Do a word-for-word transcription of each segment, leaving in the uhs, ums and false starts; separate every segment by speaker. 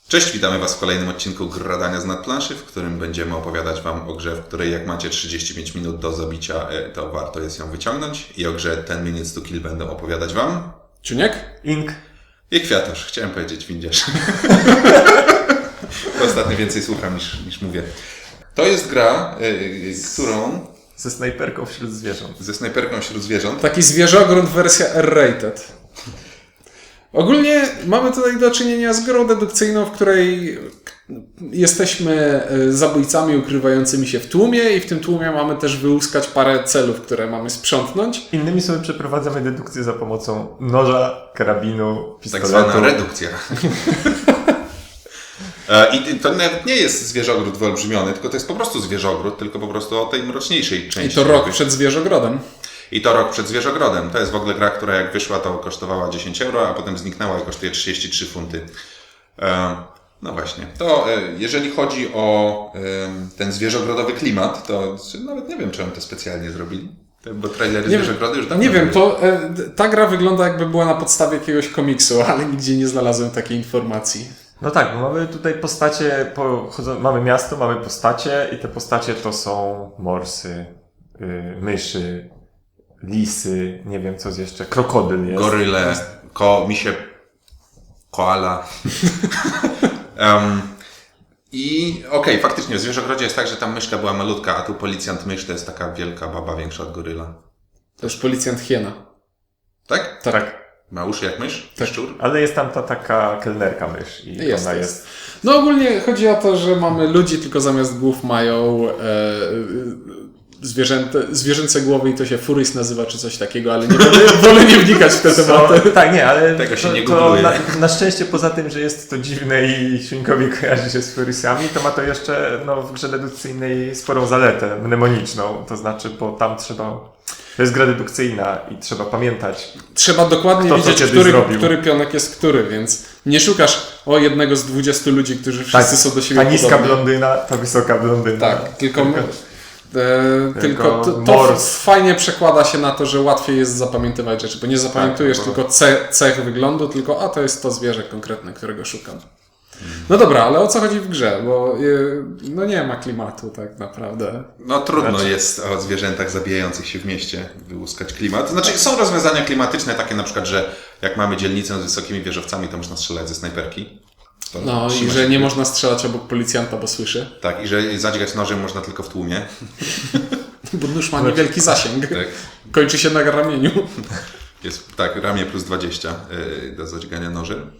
Speaker 1: Cześć, witamy Was w kolejnym odcinku Gradania z nadplanszy, w którym będziemy opowiadać Wam o grze, w której jak macie trzydzieści pięć minut do zabicia, to warto jest ją wyciągnąć. I o grze ten Minutes to Kill będą opowiadać Wam
Speaker 2: Czuniek?
Speaker 3: Ink.
Speaker 1: I Kwiatusz. Chciałem powiedzieć windziarz. Ostatnio więcej słucham niż, niż mówię. To jest gra, yy, którą...
Speaker 3: Ze snajperką wśród zwierząt.
Speaker 1: Ze snajperką wśród zwierząt.
Speaker 2: Taki zwierzogród wersja R-rated. Ogólnie mamy tutaj do czynienia z grą dedukcyjną, w której jesteśmy zabójcami ukrywającymi się w tłumie i w tym tłumie mamy też wyłuskać parę celów, które mamy sprzątnąć.
Speaker 3: Innymi słowy przeprowadzamy dedukcję za pomocą noża, karabinu, pistoletu.
Speaker 1: Tak zwana redukcja. I to nawet nie jest zwierzogród wyolbrzymiony, tylko to jest po prostu zwierzogród, tylko po prostu o tej mroczniejszej części.
Speaker 2: I to rok przed zwierzogrodem.
Speaker 1: I to rok przed zwierzogrodem. To jest w ogóle gra, która jak wyszła, to kosztowała dziesięć euro, a potem zniknęła i kosztuje trzydzieści trzy funty. No właśnie. To jeżeli chodzi o ten zwierzogrodowy klimat, to nawet nie wiem, czy oni to specjalnie zrobili. Bo trailery
Speaker 2: nie
Speaker 1: zwierzogrody już dawno
Speaker 2: Nie wiem,
Speaker 1: były.
Speaker 2: to ta gra wygląda jakby była na podstawie jakiegoś komiksu, ale nigdzie nie znalazłem takiej informacji.
Speaker 3: No tak, bo mamy tutaj postacie, pochodzą, mamy miasto, mamy postacie i te postacie to są morsy, yy, myszy, lisy, nie wiem co jest jeszcze, krokodyl jest.
Speaker 1: Goryle, ko, misie, koala. um, I okej, okay, faktycznie w zwierzogrodzie jest tak, że tam myszka była malutka, a tu policjant mysz to jest taka wielka baba, większa od goryla.
Speaker 2: To już policjant hiena.
Speaker 1: Tak?
Speaker 3: Tak.
Speaker 1: Ma uszy jak mysz?
Speaker 2: Tak.
Speaker 1: Szczur?
Speaker 3: Ale jest tam ta taka kelnerka mysz i
Speaker 2: Jest,
Speaker 3: ona
Speaker 2: jest.
Speaker 3: jest...
Speaker 2: No ogólnie chodzi o to, że mamy ludzi, tylko zamiast głów mają e, zwierzęte, zwierzęce głowy i to się furys nazywa czy coś takiego, ale nie wolę, wolę nie wnikać w te tematy.
Speaker 3: No, tak, nie, ale
Speaker 1: Tego się
Speaker 3: to,
Speaker 1: nie
Speaker 3: to
Speaker 1: googluje.
Speaker 3: na, na szczęście poza tym, że jest to dziwne i Świnkowi kojarzy się z furysami, to ma to jeszcze no, w grze dedukcyjnej sporą zaletę mnemoniczną, to znaczy, bo tam trzeba... To jest gra dedukcyjna i trzeba pamiętać.
Speaker 2: Trzeba dokładnie
Speaker 3: Kto
Speaker 2: wiedzieć, który,
Speaker 3: zrobił.
Speaker 2: który pionek jest który, więc nie szukasz o jednego z dwudziestu ludzi, którzy wszyscy
Speaker 3: Tak,
Speaker 2: są do siebie
Speaker 3: ta niska
Speaker 2: podobni.
Speaker 3: blondyna, ta wysoka blondyna.
Speaker 2: Tak, tylko, tylko, e, tylko to, to
Speaker 3: mors.
Speaker 2: fajnie przekłada się na to, że łatwiej jest zapamiętywać rzeczy, bo nie zapamiętujesz
Speaker 3: Tak, bo-
Speaker 2: tylko ce, cech wyglądu, tylko a to jest to zwierzę konkretne, którego szukam. No dobra, ale o co chodzi w grze? Bo y, no nie ma klimatu tak naprawdę.
Speaker 1: No trudno
Speaker 3: Znaczy-
Speaker 1: jest o zwierzętach zabijających się w mieście wyłuskać klimat. Znaczy są rozwiązania klimatyczne takie na przykład, że jak mamy dzielnicę z wysokimi wieżowcami, to można strzelać ze snajperki. To
Speaker 2: No i
Speaker 1: trzyma
Speaker 2: że
Speaker 1: się-
Speaker 2: nie można strzelać obok policjanta, bo słyszy.
Speaker 1: Tak, i że zadźgać nożem można tylko w tłumie.
Speaker 2: Bo nóż ma niewielki zasięg.
Speaker 1: Tak.
Speaker 2: Kończy się na ramieniu.
Speaker 1: Jest tak, ramię plus dwadzieścia yy, do zadźgania nożem.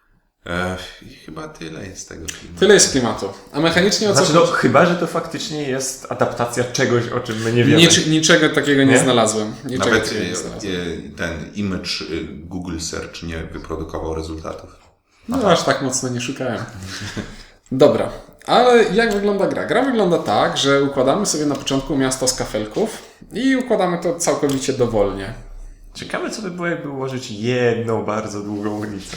Speaker 1: E, I chyba tyle jest tego filmu.
Speaker 2: Tyle jest klimatu. A mechanicznie o co
Speaker 3: Znaczy, no,
Speaker 2: chodzi?
Speaker 3: chyba, że to faktycznie jest adaptacja czegoś, o czym my nie wiemy.
Speaker 2: Nic, niczego takiego nie,
Speaker 3: Nie?
Speaker 2: znalazłem. Niczego
Speaker 1: Nawet
Speaker 2: takiego nie
Speaker 1: e,
Speaker 2: znalazłem.
Speaker 1: e, ten image e, Google Search nie wyprodukował rezultatów.
Speaker 2: No aż tak mocno nie szukałem. Dobra, ale jak wygląda gra? Gra wygląda tak, że układamy sobie na początku miasto z kafelków i układamy to całkowicie dowolnie.
Speaker 3: Ciekawe, co by było, jakby ułożyć jedną bardzo długą ulicę.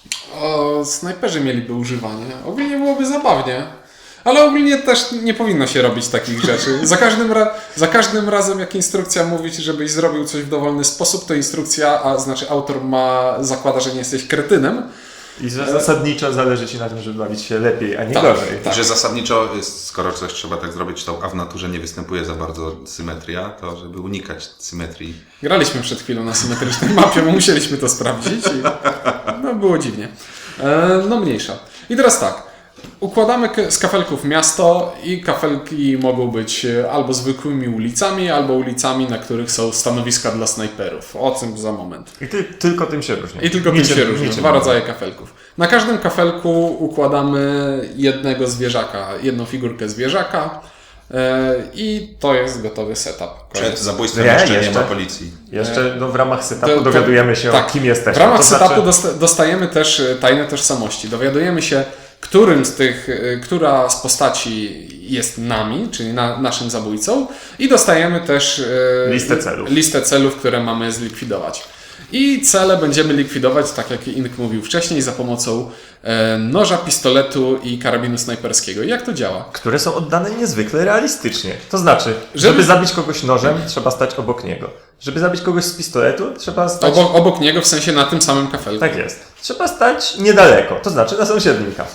Speaker 2: O, snajperzy mieliby używanie. Ogólnie byłoby zabawnie. Ale ogólnie też nie powinno się robić takich rzeczy. Za każdym, ra- za każdym razem, jak instrukcja mówi ci, żebyś zrobił coś w dowolny sposób, to instrukcja, a znaczy autor ma zakłada, że nie jesteś kretynem.
Speaker 3: I że zasadniczo zależy ci na tym, żeby bawić się lepiej, a nie
Speaker 2: Tak,
Speaker 3: gorzej.
Speaker 2: tak.
Speaker 1: I że zasadniczo, jest, skoro coś trzeba tak zrobić, to, a w naturze nie występuje za bardzo symetria, to żeby unikać symetrii.
Speaker 2: Graliśmy przed chwilą na symetrycznej mapie, bo musieliśmy to sprawdzić i no było dziwnie. E, no mniejsza. I teraz tak. Układamy k- z kafelków miasto i kafelki mogą być albo zwykłymi ulicami, albo ulicami, na których są stanowiska dla snajperów. O tym za moment.
Speaker 3: I ty, tylko tym się różni.
Speaker 2: I tylko tym
Speaker 3: Niczym-
Speaker 2: się różnią.
Speaker 3: niczym
Speaker 2: Dwa
Speaker 3: innym.
Speaker 2: rodzaje kafelków. Na każdym kafelku układamy jednego zwierzaka, jedną figurkę zwierzaka e, i to jest gotowy setup.
Speaker 1: Przed zabójstwem
Speaker 3: Nie,
Speaker 1: jeszcze nie
Speaker 3: jeszcze.
Speaker 1: ma policji.
Speaker 3: Jeszcze no, w ramach setupu
Speaker 2: To- to-
Speaker 3: dowiadujemy się,
Speaker 2: tak.
Speaker 3: o kim jesteśmy.
Speaker 2: W ramach
Speaker 3: To
Speaker 2: setupu
Speaker 3: znaczy-
Speaker 2: dosta- dostajemy też e, tajne tożsamości. Dowiadujemy się, którym z tych, e, która z postaci jest nami, czyli na, naszym zabójcą i dostajemy też e,
Speaker 3: Listę celów.
Speaker 2: listę celów, które mamy zlikwidować. I cele będziemy likwidować, tak jak Ink mówił wcześniej, za pomocą e, noża, pistoletu i karabinu snajperskiego. Jak to działa?
Speaker 3: które są oddane niezwykle realistycznie. To znaczy,
Speaker 2: Żeby-
Speaker 3: żeby zabić kogoś nożem, trzeba stać obok niego. Żeby zabić kogoś z pistoletu, trzeba stać...
Speaker 2: Obok, obok niego, w sensie na tym samym kafelku.
Speaker 3: Tak jest. Trzeba stać niedaleko, to znaczy na sąsiednim kaflu.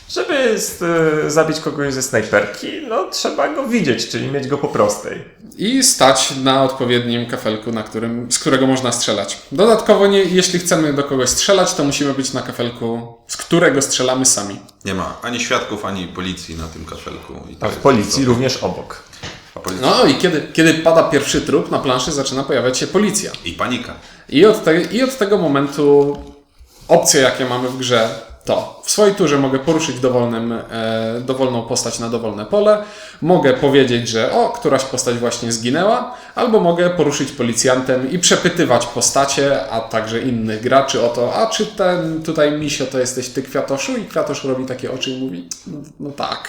Speaker 3: Żeby y, zabić kogoś ze snajperki, no trzeba go widzieć, czyli mieć go po prostej.
Speaker 2: I stać na odpowiednim kafelku, na którym, z którego można strzelać. Dodatkowo, nie, jeśli chcemy do kogoś strzelać, to musimy być na kafelku, z którego strzelamy sami.
Speaker 1: Nie ma ani świadków, ani policji na tym kafelku. I to
Speaker 3: A w
Speaker 1: jest
Speaker 3: policji
Speaker 1: to-
Speaker 3: również obok.
Speaker 1: A policja...
Speaker 2: No i kiedy, kiedy pada pierwszy trup, na planszy zaczyna pojawiać się policja.
Speaker 1: I panika.
Speaker 2: I od, te, I od tego momentu opcje, jakie mamy w grze, to w swojej turze mogę poruszyć dowolnym, e, dowolną postać na dowolne pole, mogę powiedzieć, że o, któraś postać właśnie zginęła, albo mogę poruszyć policjantem i przepytywać postacie, a także innych graczy o to, a czy ten tutaj misio to jesteś ty, Kwiatoszu? I Kwiatosz robi takie oczy i mówi, no tak.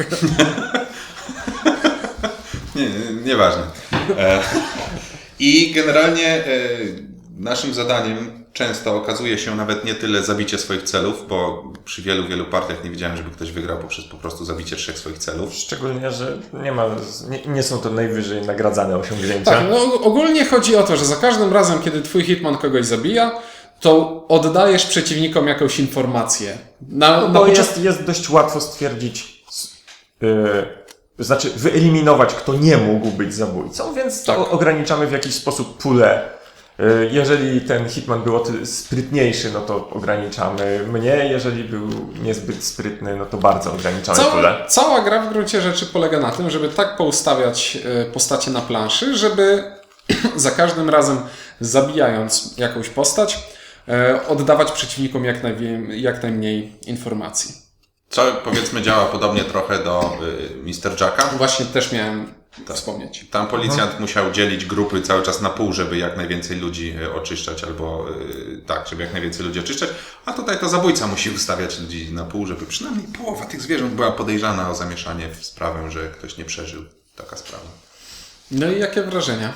Speaker 1: Nie, nie, nieważne. E, I generalnie e, naszym zadaniem często okazuje się nawet nie tyle zabicie swoich celów, bo przy wielu, wielu partiach nie widziałem, żeby ktoś wygrał poprzez po prostu zabicie trzech swoich celów.
Speaker 3: Szczególnie, że nie ma, nie, nie są to najwyżej nagradzane osiągnięcia.
Speaker 2: Tak, no ogólnie chodzi o to, że za każdym razem, kiedy twój hitman kogoś zabija, to oddajesz przeciwnikom jakąś informację. Na,
Speaker 3: No
Speaker 2: na
Speaker 3: bo
Speaker 2: początku...
Speaker 3: jest, jest dość łatwo stwierdzić, yy, znaczy wyeliminować, kto nie mógł być zabójcą, więc
Speaker 2: Tak.
Speaker 3: o, ograniczamy w jakiś sposób pulę. Yy, jeżeli ten hitman był o tyle sprytniejszy, no to ograniczamy mnie, jeżeli był niezbyt sprytny, no to bardzo ograniczamy
Speaker 2: Cała,
Speaker 3: pulę.
Speaker 2: cała gra w gruncie rzeczy polega na tym, żeby tak poustawiać e, postacie na planszy, żeby za każdym razem zabijając jakąś postać, e, oddawać przeciwnikom jak, najwie- jak najmniej informacji.
Speaker 1: Co powiedzmy działa podobnie trochę do y, mister Jacka.
Speaker 2: Właśnie też miałem wspomnieć.
Speaker 1: Tam policjant musiał dzielić grupy cały czas na pół, żeby jak najwięcej ludzi y, oczyszczać, albo y, tak, żeby jak najwięcej ludzi oczyszczać, a tutaj to zabójca musi ustawiać ludzi na pół, żeby przynajmniej połowa tych zwierząt była podejrzana o zamieszanie w sprawę, że ktoś nie przeżył. Taka sprawa.
Speaker 2: No i jakie wrażenia?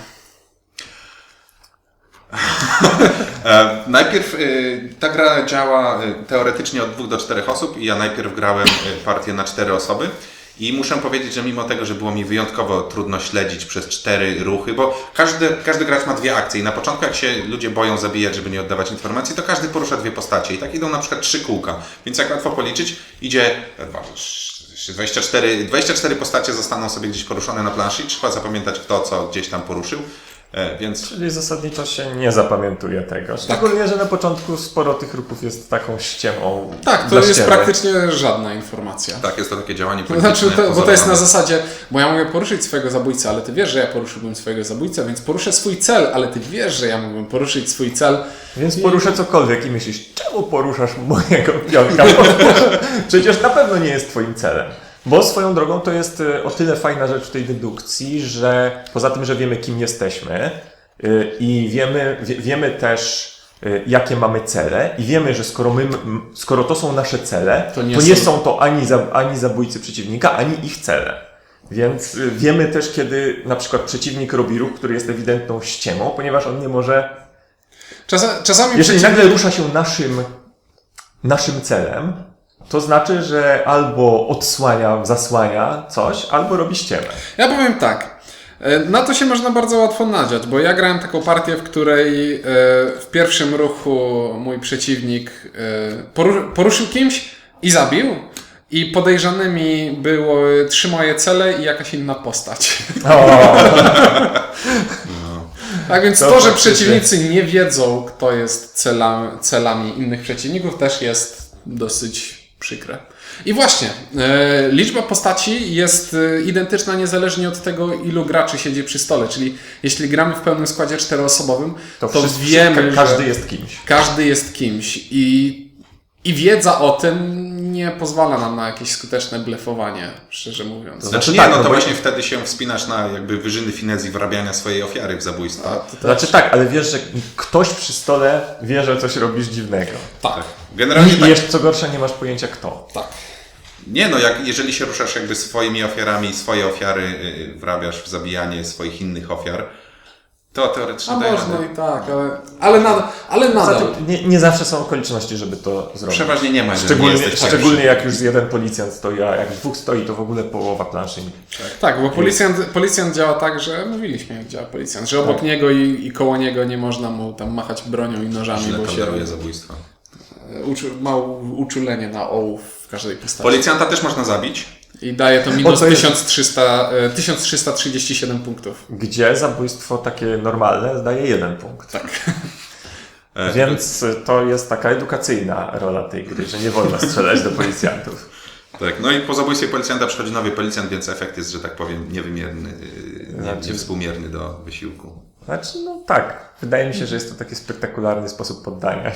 Speaker 1: E, najpierw y, ta gra działa y, teoretycznie od dwóch do czterech osób i ja najpierw grałem y, partię na cztery osoby i muszę powiedzieć, że mimo tego, że było mi wyjątkowo trudno śledzić przez cztery ruchy, bo każdy, każdy gracz ma dwie akcje i na początku jak się ludzie boją zabijać, żeby nie oddawać informacji, to każdy porusza dwie postacie i tak idą na przykład trzy kółka, więc jak łatwo policzyć, idzie dwadzieścia cztery, dwadzieścia cztery postacie zostaną sobie gdzieś poruszone na planszy i trzeba zapamiętać kto co gdzieś tam poruszył, e, więc
Speaker 3: Czyli zasadniczo się nie zapamiętuje tego. Szczególnie, że na początku sporo tych ruchów jest taką ściemą.
Speaker 2: Tak, to
Speaker 3: dla
Speaker 2: jest
Speaker 3: ściemy.
Speaker 2: praktycznie żadna informacja.
Speaker 1: tak, jest to takie działanie
Speaker 2: To
Speaker 1: polityczne.
Speaker 2: znaczy, to, bo to jest na
Speaker 1: pozorowane.
Speaker 2: zasadzie, bo ja mogę poruszyć swojego zabójcę, ale ty wiesz, że ja poruszyłbym swojego zabójcę, więc poruszę swój cel, ale ty wiesz, że ja mógłbym poruszyć swój cel.
Speaker 3: Więc poruszę cokolwiek i myślisz, czemu poruszasz mojego pionka? Bo przecież na pewno nie jest twoim celem. Bo swoją drogą to jest y, o tyle fajna rzecz w tej dedukcji, że poza tym, że wiemy kim jesteśmy y, i wiemy, wie, wiemy też y, jakie mamy cele i wiemy, że skoro, my, m, skoro to są nasze cele,
Speaker 2: To
Speaker 3: to
Speaker 2: nie
Speaker 3: nie,
Speaker 2: są-
Speaker 3: są to ani, za, ani zabójcy przeciwnika, ani ich cele. Więc y, wiemy też, kiedy na przykład przeciwnik robi ruch, który jest ewidentną ściemą, ponieważ on nie może
Speaker 2: Czasa, czasami
Speaker 3: jeżeli
Speaker 2: przeciwnik-
Speaker 3: nagle rusza się naszym, naszym celem, to znaczy, że albo odsłania, zasłania coś, albo robi ściemę.
Speaker 2: Ja powiem tak. e, Na to się można bardzo łatwo nadziać, bo ja grałem taką partię, w której e, w pierwszym ruchu mój przeciwnik e, poru- poruszył kimś i zabił. I podejrzanymi były trzy moje cele i jakaś inna postać. Tak więc
Speaker 3: To
Speaker 2: to, że
Speaker 3: faktycznie.
Speaker 2: przeciwnicy nie wiedzą, kto jest cela, celami innych przeciwników, też jest dosyć przykre. I właśnie, e, liczba postaci jest e, identyczna niezależnie od tego, ilu graczy siedzi przy stole. Czyli jeśli gramy w pełnym składzie czteroosobowym, to,
Speaker 3: To, wszyscy,
Speaker 2: wiemy,
Speaker 3: ka- każdy
Speaker 2: że
Speaker 3: jest kimś.
Speaker 2: każdy jest kimś. I, I wiedza o tym nie pozwala nam na jakieś skuteczne blefowanie, szczerze mówiąc.
Speaker 1: Znaczy nie,
Speaker 3: tak,
Speaker 1: no
Speaker 3: no
Speaker 1: to
Speaker 3: bo-
Speaker 1: właśnie wtedy się wspinasz na jakby wyżyny finezji wrabiania swojej ofiary w zabójstwo.
Speaker 2: A, to też-
Speaker 3: Znaczy tak, ale wiesz, że ktoś przy stole wie, że coś robisz dziwnego.
Speaker 2: tak,
Speaker 1: Generalnie
Speaker 3: I
Speaker 1: tak,
Speaker 3: jeszcze co gorsza, nie masz pojęcia kto.
Speaker 2: tak.
Speaker 1: nie no, jak, jeżeli się ruszasz jakby swoimi ofiarami, swoje ofiary y, wrabiasz w zabijanie swoich innych ofiar, to teoretycznie
Speaker 2: A
Speaker 1: daje
Speaker 2: można
Speaker 1: radę.
Speaker 2: i tak, ale, ale nadal. Ale
Speaker 3: Poza
Speaker 2: nadal.
Speaker 3: tym nie, nie zawsze są okoliczności, żeby to zrobić.
Speaker 1: Przeważnie nie ma, jeżeli nie
Speaker 3: Szczególnie,
Speaker 1: jesteś pierwszy.
Speaker 3: szczególnie jak już jeden policjant stoi, a jak dwóch stoi, to w ogóle połowa planszy.
Speaker 2: Tak, bo policjant, policjant działa tak, że mówiliśmy jak działa policjant, że obok
Speaker 3: Tak.
Speaker 2: niego i, i koło niego nie można mu tam machać bronią i nożami,
Speaker 1: Źle
Speaker 2: bo się
Speaker 1: toleruje zabójstwa.
Speaker 2: uczu, ma u- uczulenie na ołów. w każdej postaci.
Speaker 1: Policjanta też można zabić.
Speaker 2: I daje to minus
Speaker 3: to jest-
Speaker 2: tysiąc trzysta, e, tysiąc trzysta trzydzieści siedem punktów.
Speaker 3: Gdzie zabójstwo takie normalne daje jeden punkt.
Speaker 2: Tak.
Speaker 1: E,
Speaker 3: Więc to jest taka edukacyjna rola tej gry, że nie wolno strzelać do policjantów.
Speaker 1: Tak, no i po zabójstwie policjanta przychodzi nowy policjant, więc efekt jest, że tak powiem, niewymierny, yy, nie,
Speaker 3: Znaczy-
Speaker 1: niewspółmierny do wysiłku.
Speaker 3: Znaczy, no tak. Wydaje mi się, że jest to taki spektakularny sposób poddania.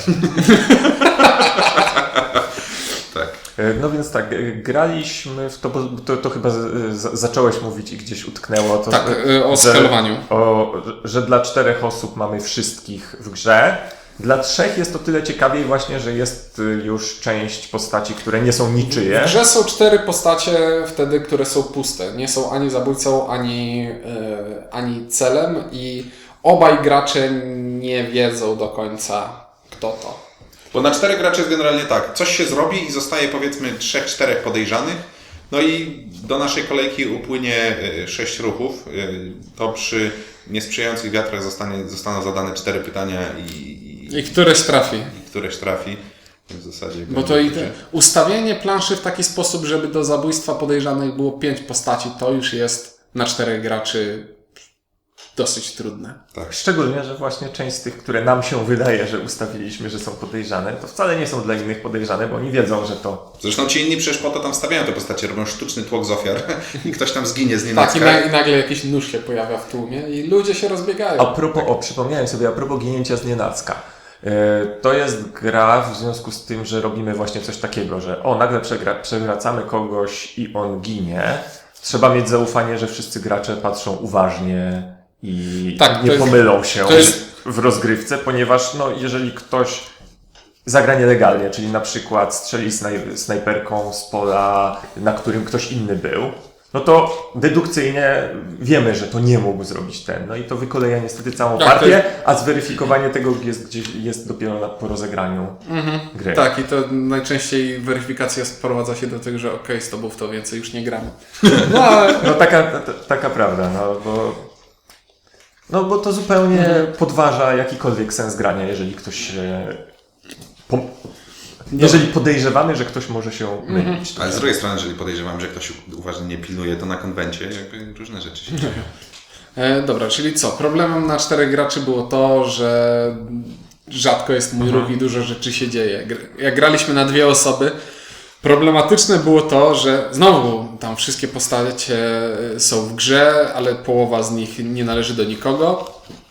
Speaker 1: Tak.
Speaker 3: E, No więc tak, e, graliśmy w to, bo to, to chyba z, z, zacząłeś mówić i gdzieś utknęło to,
Speaker 2: Tak,
Speaker 3: że,
Speaker 2: e, o skalowaniu.
Speaker 3: o, że dla czterech osób mamy wszystkich w grze. Dla trzech jest to tyle ciekawiej właśnie, że jest y, już część postaci, które nie są niczyje.
Speaker 2: W grze są cztery postacie wtedy, które są puste. Nie są ani zabójcą, ani, e, ani celem i obaj gracze nie wiedzą do końca, kto to.
Speaker 1: Bo na czterech graczy jest generalnie tak, coś się zrobi i zostaje powiedzmy trzech, czterech podejrzanych, no i do naszej kolejki upłynie y, sześć ruchów, y, to przy niesprzyjających wiatrach zostanie, zostaną zadane cztery pytania i, i,
Speaker 2: I któreś trafi.
Speaker 1: i któreś trafi. W zasadzie
Speaker 2: Bo to i te, ustawienie planszy w taki sposób, żeby do zabójstwa podejrzanych było pięć postaci, to już jest na czterech graczy dosyć trudne.
Speaker 1: Tak.
Speaker 3: Szczególnie, że właśnie część z tych, które nam się wydaje, że ustawiliśmy, że są podejrzane, to wcale nie są dla innych podejrzane, bo oni wiedzą, że to...
Speaker 1: Zresztą ci inni przecież po to tam stawiają te postacie, robią sztuczny tłok z ofiar i ktoś tam zginie z
Speaker 2: Tak, i,
Speaker 1: nienacka.
Speaker 2: na, i nagle jakiś nóż się pojawia w tłumie i ludzie się rozbiegają.
Speaker 3: A propos, o, przypomniałem sobie, a propos ginięcia z nienacka. Yy, To jest gra w związku z tym, że robimy właśnie coś takiego, że o, nagle przegra, przewracamy kogoś i on ginie. Trzeba mieć zaufanie, że wszyscy gracze patrzą uważnie i
Speaker 2: Tak, to
Speaker 3: nie
Speaker 2: jest-
Speaker 3: pomylą się
Speaker 2: to jest-
Speaker 3: w rozgrywce, ponieważ no, jeżeli ktoś zagra nielegalnie, czyli na przykład strzeli snaj, snajperką z pola, na którym ktoś inny był, no to dedukcyjnie wiemy, że to nie mógł zrobić ten. No i to wykoleja niestety całą
Speaker 2: Tak, to
Speaker 3: partię,
Speaker 2: jest-
Speaker 3: a zweryfikowanie tego jest, gdzieś, jest dopiero na, po rozegraniu gry.
Speaker 2: Tak, i to najczęściej weryfikacja sprowadza się do tego, że okej, z tobą w to więcej już nie gramy. No ale
Speaker 3: No taka, ta, taka prawda, no bo, no bo to zupełnie podważa jakikolwiek sens grania, jeżeli ktoś się... Po, jeżeli podejrzewamy, że ktoś może się mylić.
Speaker 1: Ale z drugiej strony, jeżeli podejrzewam, że ktoś uważnie nie pilnuje, to na konwencie jakby różne rzeczy się dzieją.
Speaker 2: E, dobra, czyli co? Problemem na czterech graczy było to, że rzadko jest mój ruch i dużo rzeczy się dzieje. Gr- Jak graliśmy na dwie osoby, problematyczne było to, że znowu tam wszystkie postacie są w grze, ale połowa z nich nie należy do nikogo.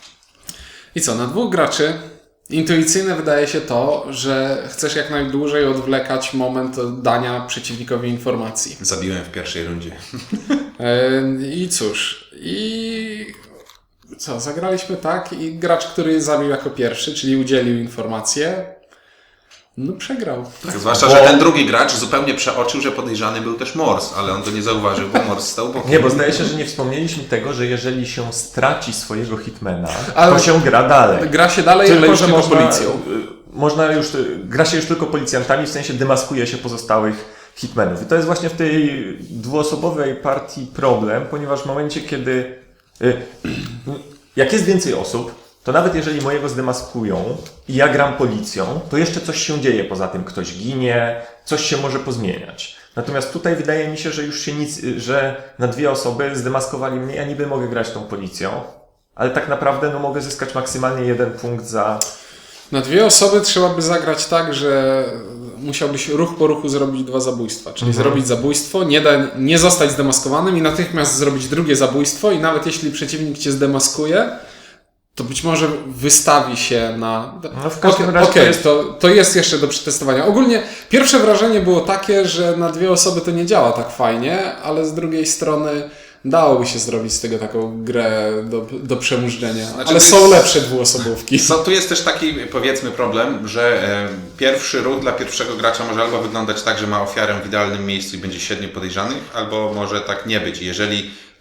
Speaker 2: I co? Na dwóch graczy intuicyjne wydaje się to, że chcesz jak najdłużej odwlekać moment dania przeciwnikowi informacji.
Speaker 1: Zabiłem w pierwszej rundzie.
Speaker 2: E, I cóż, i co, zagraliśmy tak i gracz, który zabił jako pierwszy, czyli udzielił informację, no przegrał.
Speaker 1: Tak, zwłaszcza, że ten drugi gracz zupełnie przeoczył, że podejrzany był też Mors, ale on to nie zauważył, bo Mors stał bokiem.
Speaker 3: Nie, bo zdaje się, że nie wspomnieliśmy tego, że jeżeli się straci swojego hitmana,
Speaker 2: Ale-
Speaker 3: to się gra dalej.
Speaker 2: Gra się dalej, ale już
Speaker 3: że
Speaker 2: tylko
Speaker 3: można,
Speaker 2: policją.
Speaker 3: y, można już, gra się już tylko policjantami, w sensie demaskuje się pozostałych hitmenów. I to jest właśnie w tej dwuosobowej partii problem, ponieważ w momencie, kiedy y, jak jest więcej osób, to nawet jeżeli mojego zdemaskują i ja gram policją, to jeszcze coś się dzieje poza tym. Ktoś ginie, coś się może pozmieniać. Natomiast tutaj wydaje mi się, że już się nic, że na dwie osoby zdemaskowali mnie, ja niby mogę grać tą policją, ale tak naprawdę no, mogę zyskać maksymalnie jeden punkt za...
Speaker 2: Na dwie osoby trzeba by zagrać tak, że musiałbyś ruch po ruchu zrobić dwa zabójstwa. Czyli zrobić zabójstwo, nie, da, nie zostać zdemaskowanym i natychmiast zrobić drugie zabójstwo i nawet jeśli przeciwnik cię zdemaskuje, to być może wystawi się na...
Speaker 3: No w każdym
Speaker 2: Okej,
Speaker 3: razie
Speaker 2: okej,
Speaker 3: to jest...
Speaker 2: to, to jest jeszcze do przetestowania. Ogólnie pierwsze wrażenie było takie, że na dwie osoby to nie działa tak fajnie, ale z drugiej strony dałoby się zrobić z tego taką grę do, do przemużdżenia.
Speaker 1: Znaczy,
Speaker 2: ale
Speaker 1: to
Speaker 2: są
Speaker 1: jest-
Speaker 2: lepsze dwuosobówki.
Speaker 1: So, tu jest też taki, powiedzmy, problem, że e, pierwszy ruch dla pierwszego gracza może albo wyglądać tak, że ma ofiarę w idealnym miejscu i będzie siedmiu podejrzanych, albo może tak nie być. Jeżeli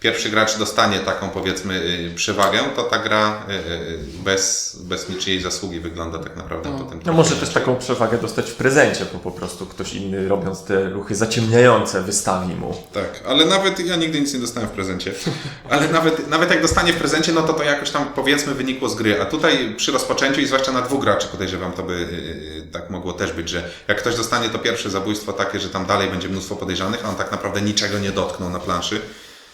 Speaker 1: pierwszy gracz dostanie taką, powiedzmy, y, przewagę, to ta gra y, y, bez, bez niczyjej zasługi wygląda tak naprawdę
Speaker 2: No.
Speaker 1: potem.
Speaker 3: No może też taką przewagę dostać w prezencie, bo po prostu ktoś inny, robiąc te ruchy zaciemniające, wystawi mu.
Speaker 1: Tak, ale nawet ja nigdy nic nie dostałem w prezencie, ale nawet, nawet jak dostanie w prezencie, no to to jakoś tam, powiedzmy, wynikło z gry, a tutaj przy rozpoczęciu i zwłaszcza na dwóch graczy podejrzewam, to by yy, tak mogło też być, że jak ktoś dostanie to pierwsze zabójstwo takie, że tam dalej będzie mnóstwo podejrzanych, a on tak naprawdę niczego nie dotknął na planszy,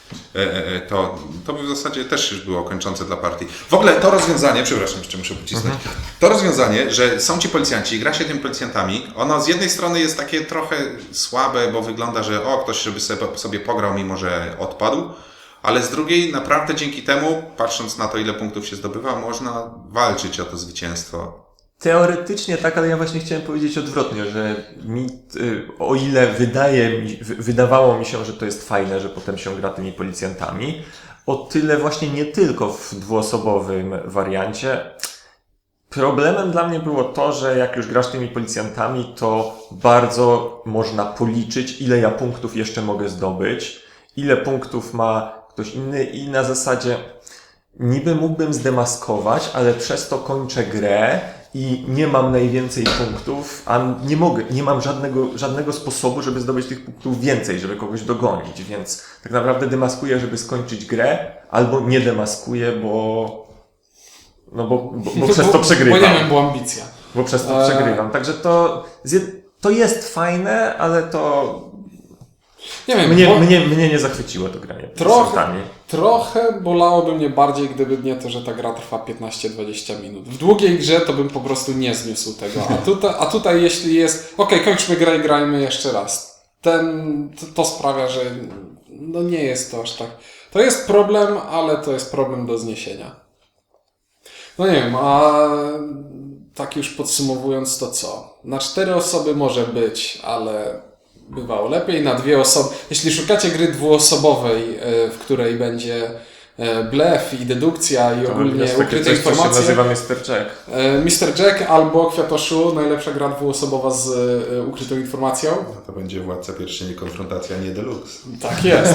Speaker 1: to, to by w zasadzie też już było kończące dla partii. W ogóle to rozwiązanie, przepraszam, jeszcze muszę pocisnąć, mhm. to rozwiązanie, że są ci policjanci i gra się tymi policjantami, ono z jednej strony jest takie trochę słabe, bo wygląda, że o, ktoś żeby sobie, sobie pograł, mimo że odpadł, ale z drugiej naprawdę dzięki temu, patrząc na to, ile punktów się zdobywa, można walczyć o to zwycięstwo.
Speaker 3: Teoretycznie tak, ale ja właśnie chciałem powiedzieć odwrotnie, że mi, o ile wydaje mi, wydawało mi się, że to jest fajne, że potem się gra tymi policjantami, o tyle właśnie nie tylko w dwuosobowym wariancie. Problemem dla mnie było to, że jak już grasz tymi policjantami, to bardzo można policzyć, ile ja punktów jeszcze mogę zdobyć, ile punktów ma ktoś inny i na zasadzie niby mógłbym zdemaskować, ale przez to kończę grę i nie mam najwięcej punktów, a nie mogę, nie mam żadnego, żadnego sposobu, żeby zdobyć tych punktów więcej, żeby kogoś dogonić, więc tak naprawdę demaskuję, żeby skończyć grę, albo nie demaskuję, bo no bo, bo, bo przez to przegrywam.
Speaker 2: Bo nie wiem, była ambicja.
Speaker 3: Bo przez to przegrywam. Także to, to jest fajne, ale to
Speaker 2: nie wiem,
Speaker 3: mnie,
Speaker 2: bo...
Speaker 3: mnie, mnie nie zachwyciło to granie.
Speaker 2: Trochę, trochę bolałoby mnie bardziej, gdyby nie to, że ta gra trwa piętnaście dwadzieścia minut. W długiej grze to bym po prostu nie zniósł tego. A tutaj, a tutaj jeśli jest, okej, okay, kończmy grę i grajmy jeszcze raz. Ten, to, to sprawia, że no nie jest to aż tak. To jest problem, ale to jest problem do zniesienia. No nie wiem, a tak już podsumowując to co? Na cztery osoby może być, ale bywało lepiej. Na dwie osoby. Jeśli szukacie gry dwuosobowej, w której będzie blef i dedukcja i
Speaker 3: to
Speaker 2: ogólnie
Speaker 3: jest takie
Speaker 2: ukryte
Speaker 3: coś,
Speaker 2: informacje.
Speaker 3: Co się nazywa mister Jack.
Speaker 2: mister Jack albo Kwiatoszu, najlepsza gra dwuosobowa z ukrytą informacją.
Speaker 1: No to będzie Władca Pierścieni konfrontacja, nie deluxe.
Speaker 2: Tak jest.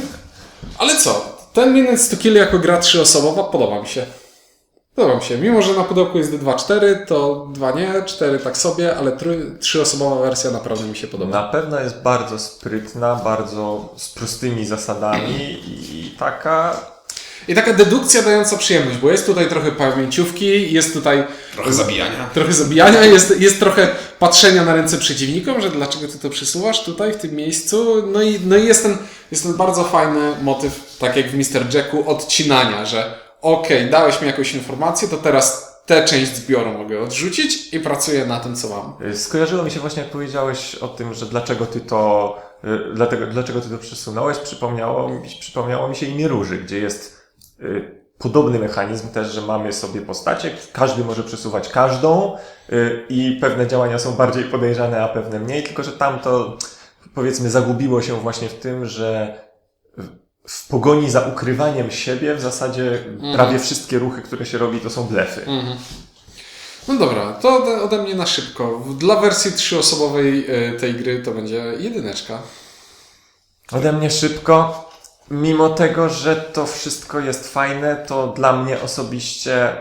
Speaker 2: Ale co? Ten Minutes to Kill jako gra trzyosobowa podoba mi się. Podoba mi się. Mimo, że na pudełku jest dwa cztery, to dwa nie, cztery tak sobie, ale trzy, trzyosobowa wersja naprawdę mi się podoba.
Speaker 3: Na pewno jest bardzo sprytna, bardzo z prostymi zasadami i taka...
Speaker 2: I taka dedukcja dająca przyjemność, bo jest tutaj trochę pamięciówki, jest tutaj...
Speaker 1: Trochę zabijania.
Speaker 2: Trochę zabijania, jest, jest trochę patrzenia na ręce przeciwnikom, że dlaczego ty to przesuwasz tutaj, w tym miejscu. No i, no i jest, ten, jest ten bardzo fajny motyw, tak jak w mister Jacku, odcinania, że okej, okay, dałeś mi jakąś informację, to teraz tę część zbioru mogę odrzucić i pracuję na tym, co mam.
Speaker 3: Skojarzyło mi się właśnie, jak powiedziałeś o tym, że dlaczego ty to, dlatego, dlaczego ty to przesunąłeś, przypomniało mi, przypomniało mi się imię Róży, gdzie jest y, podobny mechanizm też, że mamy sobie postacie, każdy może przesuwać każdą y, i pewne działania są bardziej podejrzane, a pewne mniej, tylko że tam to, powiedzmy, zagubiło się właśnie w tym, że w pogoni za ukrywaniem siebie w zasadzie mm. prawie wszystkie ruchy, które się robi, to są blefy. Mm.
Speaker 2: No dobra, to ode, ode mnie na szybko. Dla wersji trzyosobowej tej gry to będzie jedyneczka.
Speaker 3: Ode mnie szybko. Mimo tego, że to wszystko jest fajne, to dla mnie osobiście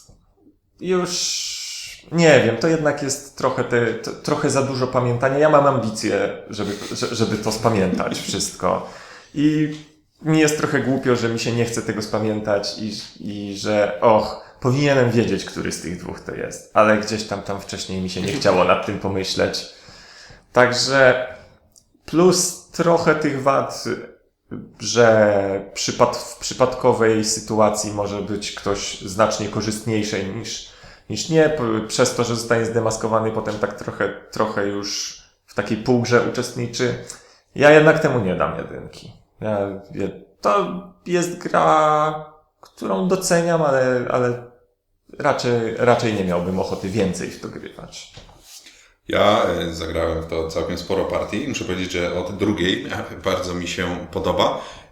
Speaker 3: już nie wiem, to jednak jest trochę, te, to, trochę za dużo pamiętania. Ja mam ambicje, żeby, żeby to spamiętać wszystko. I mi jest trochę głupio, że mi się nie chce tego spamiętać i, i że och, powinienem wiedzieć, który z tych dwóch to jest, ale gdzieś tam tam wcześniej mi się nie chciało nad tym pomyśleć. Także plus trochę tych wad, że przypad, w przypadkowej sytuacji może być ktoś znacznie korzystniejszy niż, niż nie, przez to, że zostanie zdemaskowany, potem tak trochę, trochę już w takiej półgrze uczestniczy. Ja jednak temu nie dam jedynki. Ja, to jest gra, którą doceniam, ale, ale raczej, raczej nie miałbym ochoty więcej w to grywać.
Speaker 1: Ja zagrałem w to całkiem sporo partii. Muszę powiedzieć, że od drugiej bardzo mi się podoba.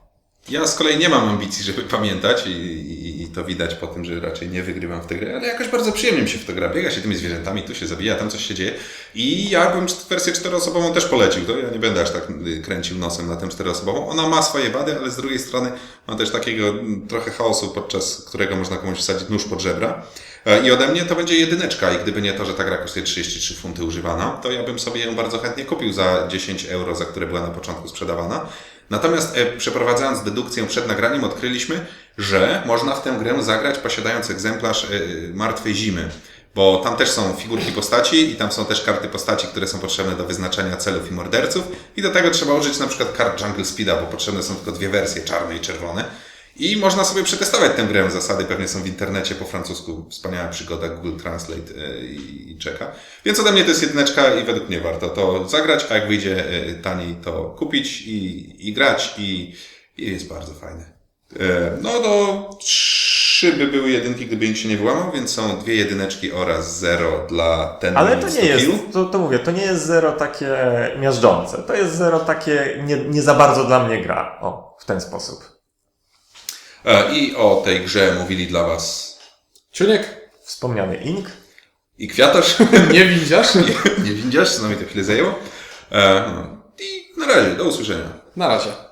Speaker 1: Ja z kolei nie mam ambicji, żeby pamiętać i, i, i to widać po tym, że raczej nie wygrywam w tę grę, ale jakoś bardzo przyjemnie mi się w to gra. Biega się tymi zwierzętami, tu się zabija, tam coś się dzieje i ja bym wersję czteroosobową też polecił. To ja nie będę aż tak kręcił nosem na tę czteroosobową. Ona ma swoje wady, ale z drugiej strony ma też takiego trochę chaosu, podczas którego można komuś wsadzić nóż pod żebra. I ode mnie to będzie jedyneczka i gdyby nie to, że ta gra kosztuje trzydzieści trzy funty używana, to ja bym sobie ją bardzo chętnie kupił za dziesięć euro, za które była na początku sprzedawana. Natomiast e, przeprowadzając dedukcję przed nagraniem odkryliśmy, że można w tę grę zagrać posiadając egzemplarz e, Martwej Zimy, bo tam też są figurki postaci i tam są też karty postaci, które są potrzebne do wyznaczenia celów i morderców i do tego trzeba użyć na przykład kart Jungle Speeda, bo potrzebne są tylko dwie wersje, czarne i czerwone. I można sobie przetestować tę grę. Zasady pewnie są w internecie po francusku. Wspaniała przygoda, Google Translate yy, i czeka. Więc ode mnie to jest jedyneczka i według mnie warto to zagrać, a jak wyjdzie yy, taniej, to kupić i, i grać i, i jest bardzo fajne. Yy, no to trzy by były jedynki, gdyby nikt się nie wyłamał, więc są dwie jedyneczki oraz zero dla ten.
Speaker 3: Ale to nie jest, to, to mówię, to nie jest zero takie miażdżące. To jest zero takie nie, nie za bardzo dla mnie gra. O, w ten sposób.
Speaker 1: I o tej grze mówili dla Was
Speaker 2: Ciuniek?
Speaker 3: Wspomniany Ink.
Speaker 1: i Kwiatosz.
Speaker 2: Nie widzisz?
Speaker 1: nie, nie widzisz, co nam mi to chwilę zajęło. I na razie, do usłyszenia.
Speaker 2: Na razie.